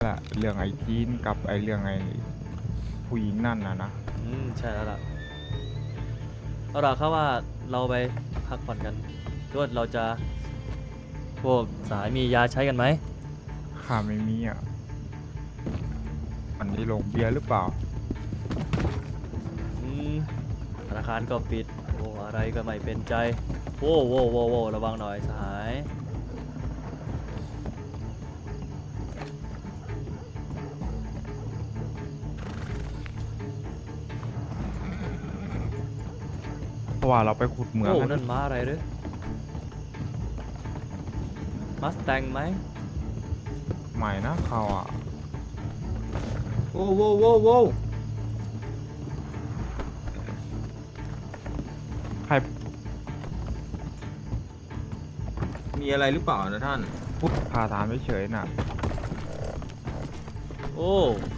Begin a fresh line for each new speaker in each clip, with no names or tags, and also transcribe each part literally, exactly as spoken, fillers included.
ละเรื่องไอ้จีนกับไอ้เรื่องไอ้ผู้หญิงนั่นนะนะ
อืมใช่แล้วล่ะเอาล่ะเข้าว่าเราไปพักผ่อนกันด้วยเราจะพวกสายมียาใช้กันไหม
ข้าไม่มีอ่ะมันได้ลงเบียร์หรือเปล่า
อืมธนาคารก็ปิดโอ้อะไรก็ไม่เป็นใจโว้โว้โว้โว้ระวังหน่อยสหาย
เพราะว่าเราไปขุดเหมือง
โอ้
กัน
นั่นม้าอะไรหรือมัสแตงไหม
ใหม่นะเขาอ่ะ
โว้วโว้วโว้วโว้ว
ใคร
มีอะไรหรือเปล่านะท่าน
พูดพาถามเฉยๆน่ะ
โอ้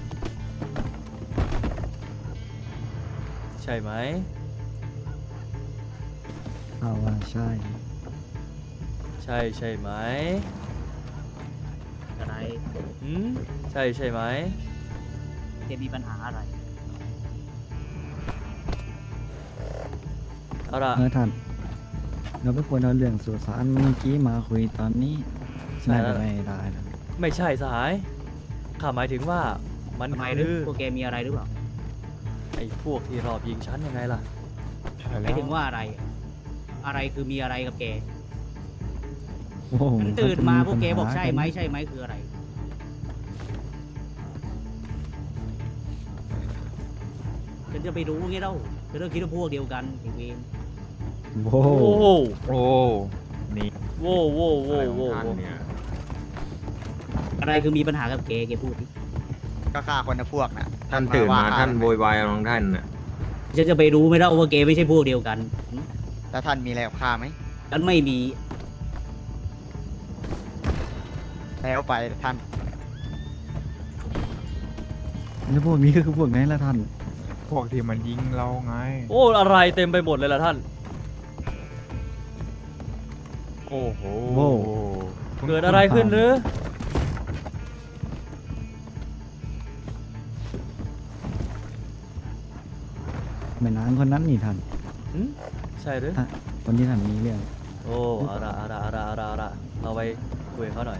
ใช่ไหม
เอาว่าใช่
ใช่ใช่ไหม
อะไร
อืมใช่ใช่ไหม
แกมีปัญหาอะไร
เอาล่ะ
เออท่านเราไม่ควรเอาเรื่องสุสานเมื่อกี้มาคุยตอนนี้
ใช่
น่า
แล้
จะ
ว
ไม่ได้นะ
ไม่ใช่สหายข้าหมายถึงว่ามัน
ทำไมหรื
คือ อ
พวกแกมีอะไรหรือเปล่า
ไอ้พวกที่รอบยิงฉันยังไงล่ะ
ใช่
ห
แล้
มายว ถึงว่าอะไร อะไรคือมีอะไรกับแก
โอ้โห
ฉันตื่นมาพวกแก
ปัญห
บอกใช่ไหม
น
ใช่ไหมคืออะไร ฉันจะไปรู้ไงเล่าฉันต้องคิดว่าพวกเดียวกันไอ้เวร
โอ้
โอ้
โห
โห
โอ้นี่
โว้โว้โว้
อะไรของ
โว้
ท่าน
โว้
เนี่ย
อะไรคือมีปัญหากับแกแกพูดดิ
ก็ฆ่าคนในพวกน่ะ
ท่านตื่นมา
ฆ่
ท่านโวยวายอะไรของท่านน่ะ
ฉันจะไปรู้ไหมเล่าว่าแกไม่ใช่พวกเดียวกันหึ
แล้วท่านมีอะไรกับข้าไหม
ฉันไม่มี
แล้วไปท่าน
แล้วพวกนี้ก็คือพวกไหนล่ะท่าน
พวกที่มันยิงเราไง
โอ้อะไรเต็มไปหมดเลยล่ะท่าน
โอ้โห
โว้
เกิดอะไรขึ้นหรือ
แม่นางคนนั้นนี่ท่าน
หึใช่หรือ
อ่ะ คนที่ท่านมีเรื่อง
โอ้เอาละเอาละเอาละเอาละเอาละเราไปคุยกับเขาหน่อย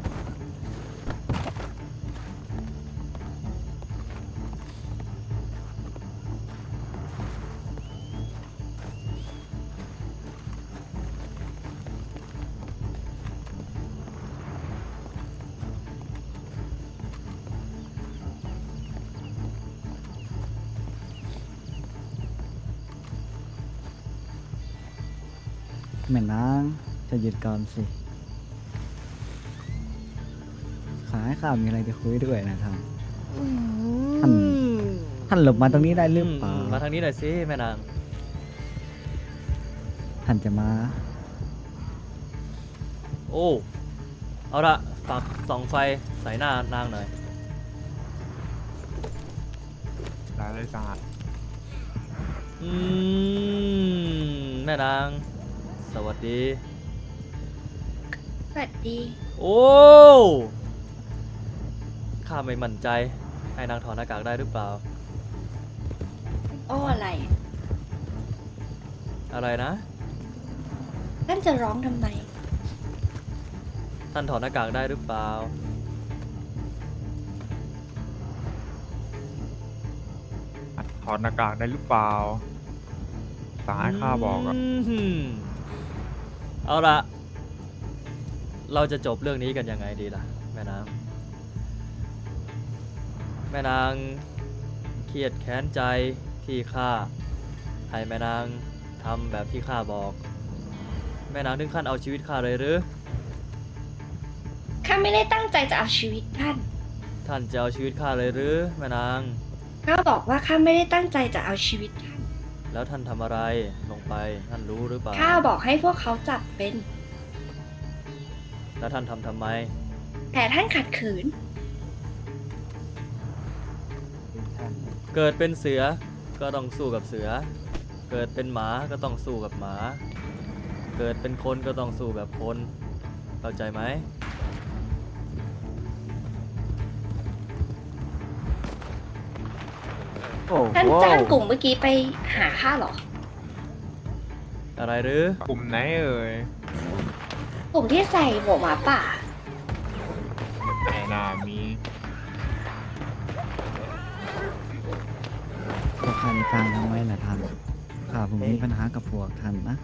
แม่นางจะหยุดก่อนสิ ขายข้าวมีอะไรจะคุยด้วยนะท่าน ท่าน ท่านหลบมาตรงนี้ได้หรือเปล่า
มมาทางนี้หน่อยสิแม่นาง
ท่านจะมา
โอ้เอาละฝากส่องไฟใส่หน้านางหน่อย
หลายเลยสหาย
อืมแม่นาง สวัสดี
สวัสดี
โอ้ข้าไม่มั่นใจ ให้นางถอดหน้ากากได้หรือเปล่า
โอ้อะไร
อะไรนะ
ท่านจะร้องทำไม
ท่านถอดหน้ากากได้หรือเปล่า
ถอดหน้ากากได้หรือเปล่าสหายข้าบอกอ่ะ
มเอาละเราจะจบเรื่องนี้กันยังไงดีล่ะ แม่นาง แม่นางเครียดแค้นใจที่ข้าให้แม่นางทำแบบที่ข้าบอก แม่นางถึงขั้นเอาชีวิตข้าเลยหรือ
ข้าไม่ได้ตั้งใจจะเอาชีวิตท่าน
ท่านจะเอาชีวิตข้าเลยหรือแม่นาง
ข้าบอกว่าข้าไม่ได้ตั้งใจจะเอาชีวิตท่าน
แล้วท่านทำอะไรลงไปท่านรู้หรือเปล่า
ข้าบอกให้พวกเขาจับเป็น
แล้วท่านทำทำไม
แต่ท่านขัดขืน
เกิดเป็นเสือก็ต้องสู้กับเสือ เกิดเป็นหมาก็ต้องสู้กับหมา เกิดเป็นคนก็ต้องสู้แบบคนเข้าใจไหม
โอ้
ท่าน
โห
จ้างกลุ่มเมื่อกี้ไปหาข้าเหรอ
อะไรหรือ
กลุ่มไหนเอ่ย
กลุ่มที่ใส่หมวกหมาป่า
ไหนน่ามี
พวกท่านกลางทำไว้แหละท่านข้าผมมีปัญหากับพวกท่านนะ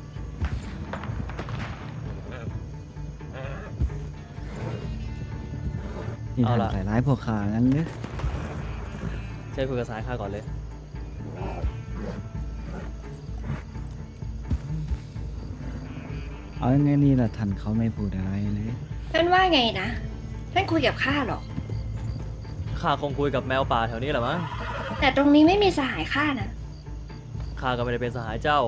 นี่ท่านใส่ร้ายพวกข้างั้นหรือ
ใช่คุยกับสายข้าก่อนเลย
เอายังไงนี่ล่ะท่านเขาไม่พูดอะไรเลย
ท่านว่าไงนะ ท่านคุยกับข้าเหรอ
ข้าคงคุยกับแมวป่าแถวนี้แหละมั้ง
แต่ตรงนี้ไม่มีสหายข้านะ
ข้าก็ไม่ได้เป็นสหายเจ้า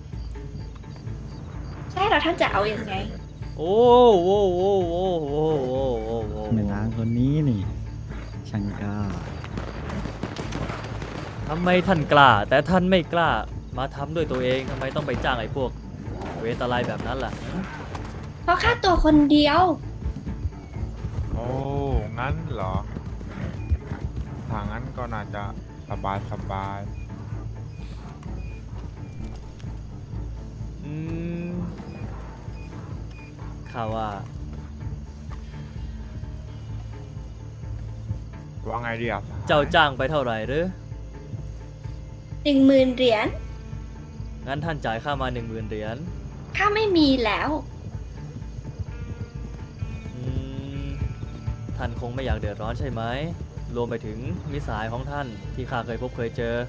ใช่แล้วท่านจะเอาอยัางไง
โอ้โหโอ้โหโอ้โหโอ้โหโอ้โห
แม่นางคนนี้นี่ช่างกล้า
ทำไมท่านกล้า แต่ท่านไม่กล้ามาทำด้วยตัวเองทำไมต้องไปจ้างไอ้พวกเวทอะไรแบบนั้นล่ะ
เพราะข้าตัวคนเดียว
โอ้ งั้นเหรอ ถ้างั้นก็น่าจะสบายสบาย
อืมข้าว่า
ว่าไงดีอ่ะ
เจ้าจ้างไปเท่าไหร่หรือ
หนึ่งหมื่นเหรียญ
งั้นท่านจ่ายค่ามาหนึ่งหมื่นเหรียญ
ข้าไม่มีแล้ว
อืมท่านคงไม่อยากเดือดร้อนใช่ไหม รวมไปถึงมิตรสหายของท่านที่ข้าเคยพบเคยเจอ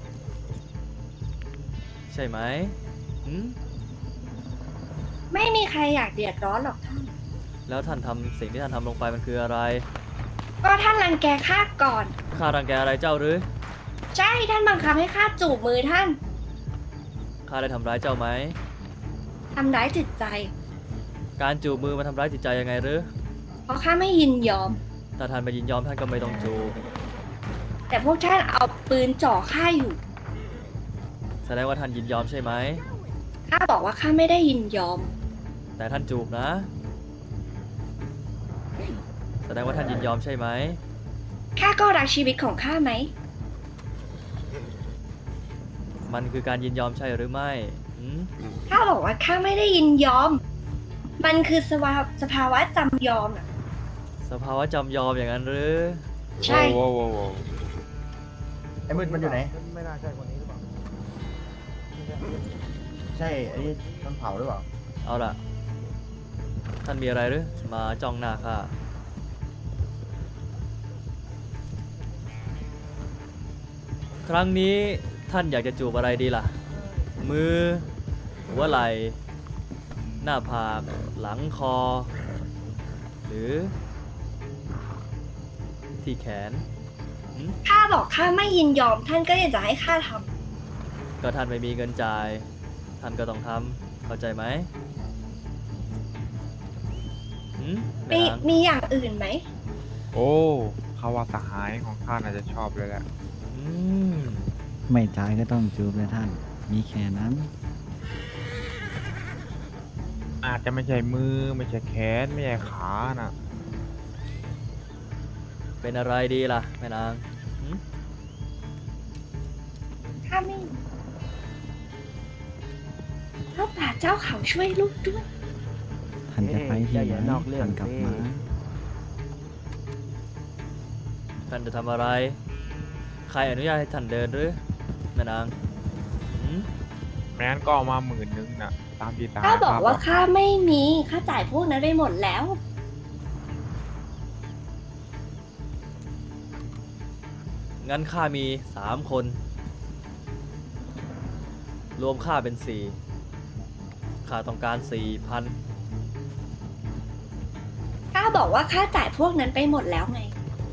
ใช่ไหมหืม
ไม่มีใครอยากเดือดร้อนหรอกท่าน
แล้วท่านทำสิ่งที่ท่านทำลงไปมันคืออะไร
ก็ท่านรังแกข้าก่อน
ข้ารังแกอะไรเจ้าหรือ
ใช่ท่านบังคับให้ข้าจูบมือท่าน
ข้าได้ทำร้ายเจ้าไหม
ทำร้ายจิตใจ
การจูบมือมันทำร้ายจิตใจยังไงหรือ
เพราะข้าไม่ยินยอม
ถ้าท่านไม่ยินยอมท่านก็ไม่ต้องจูบ
แต่พวกท่านเอาปืนจ่อข้าอยู่
แสดงว่าท่านยินยอมใช่ไหม
ข้าบอกว่าข้าไม่ได้ยินยอม
แต่ท่านจูบนะ แสดงว่าท่านยินยอมใช่ไหม
ข้าก็รักชีวิตของข้าไหม
มันคือการยินยอมใช่หรือไม่หืม
ข้าบอกว่าข้าไม่ได้ยินยอม มันคือสภาวะสภาวะจำยอมอะ
สภาวะจำยอมอย่างนั้นหรือ
ใช่
โว้วโว้วโว้ว
ไอ้มืดมันอยู่ไหน
ไม่น่าใช่คนนี้หรือเปล่า
ใช่ไอ้นี่ต้นเผาหรือเปล่า
เอาล่ะ ท่านมีอะไรหรือ มาจ้องหน้าข้า ครั้งนี้ท่านอยากจะจูบอะไรดีล่ะ มือ หัวไหล่ หน้าผาก หลังคอ หรือ ที่แขนหืม
ข้าบอกข้าไม่ยินยอม ท่านก็ยังจะให้ข้าท
ก็ท่านไม่มีเงินจ่าย ท่านก็ต้องทำเข้าใจไหมหืม
ำ
แม่
มี
นาง
มีอย่างอื่นไหม
โอ้เขาว่าสหายของข้าน่าจะชอบเลยแหละ
อืม
ไม่จ่ายก็ต้องจูบเลยท่าน มีแค่นั้น
อาจจะไม่ใช่มือ ไม่ใช่แขน ไม่ใช่ขาน่ะ
เป็นอะไรดีล่ะแม่นางหืม
ข้าไม่พระป่าเจ้าเขาช่วยลูกด้วย
ท่านจะไปที่
เอ้ย
ไหน
อย่านอกเรื่อง
ท่านกลับ
สิ
มา
ท่านจะทำอะไร ใครอนุญาตให้ท่านเดินหรือแม่นางหืม
แม้นก็เอามาหมื่นนึงน่ะ ตามที่สหาย
ข้าบอกว่า
ข้
ข้าไม่มี ข้าจ่ายพวกนั้นไปหมดแล้ว
งั้นข้ามีสามคน รวมข้าเป็นสี่ข้าต้องการสี่พัน
ข้าบอกว่าข้าจ่ายพวกนั้นไปหมดแล้วไง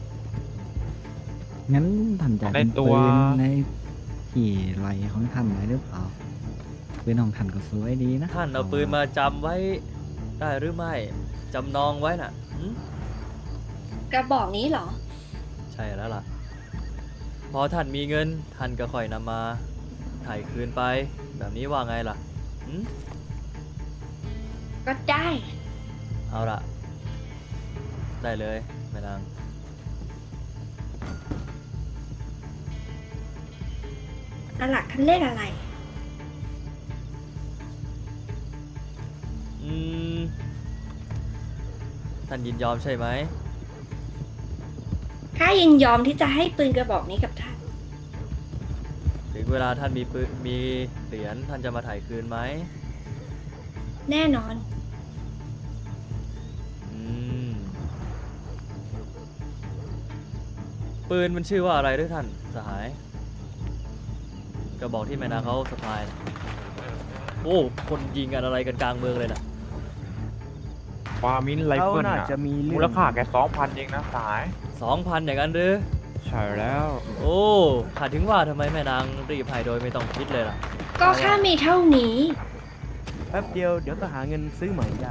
งั้นท่านจะ
ใน
เป็น
ตั
ปื
ว
นในที่ไหลของท่านไหมหรือเปล่าปืนของท่านก็สวยดีนะ
ท่านเอาปืนมาจำไว้ได้หรือไม่จำนองไว้น่ะหืม
กระบอกนี้เหรอ
ใช่แล้วล่ะ พอท่านมีเงิน ท่านก็ค่อยนำมาถ่ายคืนไป แบบนี้ว่าไงล่ะหืม
ก็ได้
เอาล่ะ ได้เลยแม่นาง
สลักท่านเลขอะไร
อืม ท่านยินยอมใช่ไหม
ข้ายินยอมที่จะให้ปืนกระบอกนี้กับท่าน
ถึงเวลาท่านมีปืนมีเหรียญท่านจะมาถ่ายคืนไหม
แน่นอน
อืม ปืนมันชื่อว่าอะไรด้วยท่านสหายกระบอกที่แม่นางเขาสะพายน่ะโอ้ คนยิงกันอะไรกันกลางเมืองเลยนะ
ฟามินไรเฟิล
เขาน่า
น่ะ
จะมีเรื่อง
มูลค่าแค่สองพันเองนะสหาย
สองพันอย่างนั้นหรือ
ใช่แล้ว
โอ้ข้าถึงว่าทำไมแม่นางรีบให้โดยไม่ต้องคิดเลยล่ะ
ก็ข้ามีเท่านี้
แป๊บเดียวเดี๋ยวก็หาเงินซื้อใหม่ได้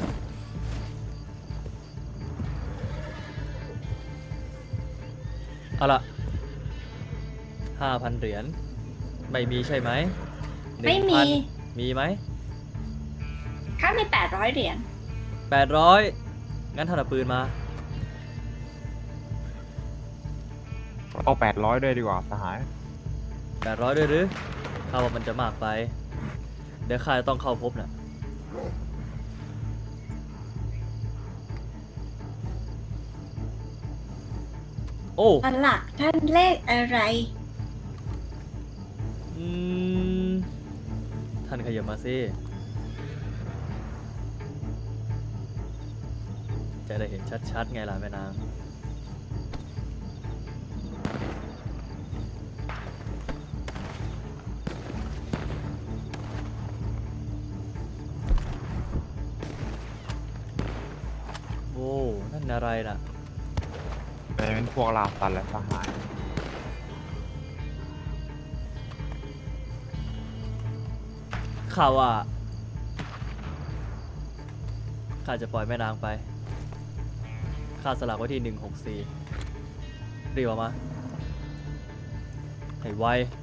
เอาล่ะห้าพันเหรียญ ไม่มีใช่ไหม
ไม่มี
หนึ่งพันมีไหม
ข้ามีแปดร้อยเหรียญ
แปดร้อยงั้นท่านเอาปืนมา
เอาแปดร้อยด้วยดีกว่าสหาย
แปดร้อยด้วยหรือข้าว่ามันจะมากไป เดี๋ยวข้าจะต้องเข้าพบน่ะ โอ้
สลักท่านเลขอะไร
อืม ท่านขยับมาสิ จะได้เห็นชัดๆไงล่ะแม่นาง โอ้ นั่นอะไรน่ะ
เป็นพวกลาสันและสหาย
ข่าวว่าข้าจะปล่อยแม่นางไป ข้าสลักไว้ที่หนึ่งหกสี่รีบออกมา ให้ไว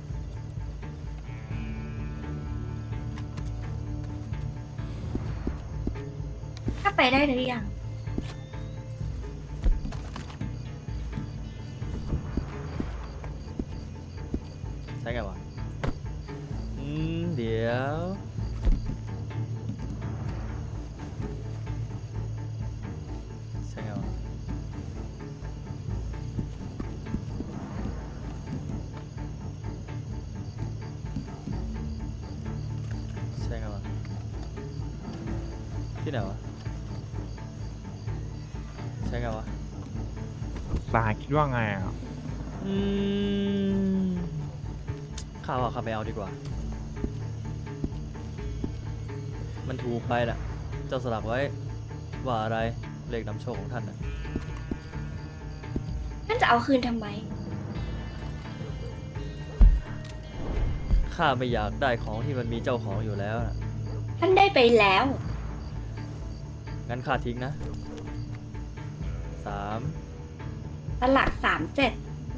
ข้าไปได้หรือยัง
ใช่ไงวะ อืม เดี๋ยว ใช่ไงวะ ใช่ไงวะ ที่ไหนวะ ใช่ไงวะ
สหายคิดว่าไงอ่ะ
อืมข้าว่าข้าไม่เอาดีกว่า มันถูกไปแหละเจ้าสลักไว้ว่าอะไรเลขนำโชคของท่านนะ
ท่านจะเอาคืนทำไม
ข้าไม่อยากได้ของที่มันมีเจ้าของอยู่แล้วนะ
ท่านได้ไปแล้ว
งั้นข้าทิ้งนะสาม
สลักสามเจ็ด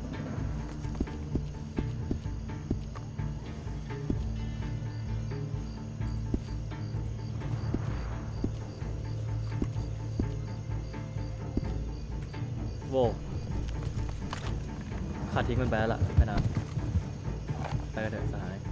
โว้ข้าทิ้งมันไปแล้วล่ะแม่นางไปกันเถอะสหาย